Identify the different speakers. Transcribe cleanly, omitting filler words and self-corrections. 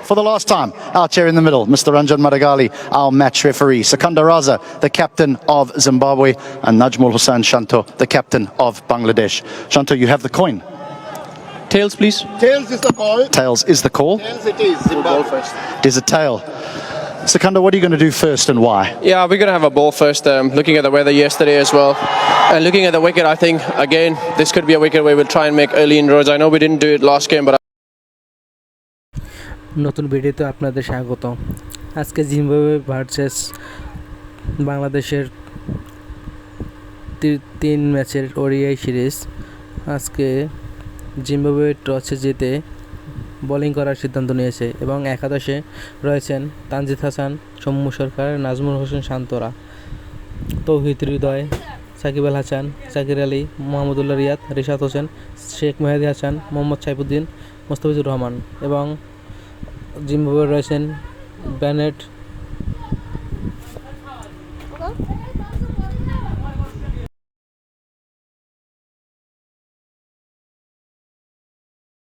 Speaker 1: for the last time. Our chair in the middle, Mr. Ranjan Madagali, our match referee. Sekunda Raza, the captain of Zimbabwe, and Najmul Hussain Shanto, the captain of Bangladesh. Shanto, you have the coin.
Speaker 2: Tails, please.
Speaker 3: Tails is the call.
Speaker 1: Tails is the call.
Speaker 3: Tails it is. Zimbabwe first.
Speaker 1: It is a tail. Sekunda, what are you going to do first and why?
Speaker 2: Yeah, we're going to have a ball first, looking at the weather yesterday as well. And looking at the wicket, I think, again, this could be a wicket where we'll try and make early inroads. I know we didn't do it last game, but
Speaker 4: নতুন ভিডিওতে আপনাদের স্বাগত। আজকে Zimbabwe versus বাংলাদেশের 3 ম্যাচের ODI series. আজকে Zimbabwe টসে জিতে বোলিং করার সিদ্ধান্ত নিয়েছে এবং একাদশে রয়েছেন তানজিদ হাসান, সৌম্য সরকার, নাজমুল হোসেন শান্তরা, তৌহিদ হৃদয়, সাকিব আল হাসান, জাকির আলী, মোহাম্মদুল্লাহ রিয়াদ, রিশাদ হোসেন, শেখ মেহেদী হাসান, মোহাম্মদ সাইফুদ্দিন, মোস্তাফিজুর রহমান এবং জিম্বাবুয়ে রয়েছেন বেনেট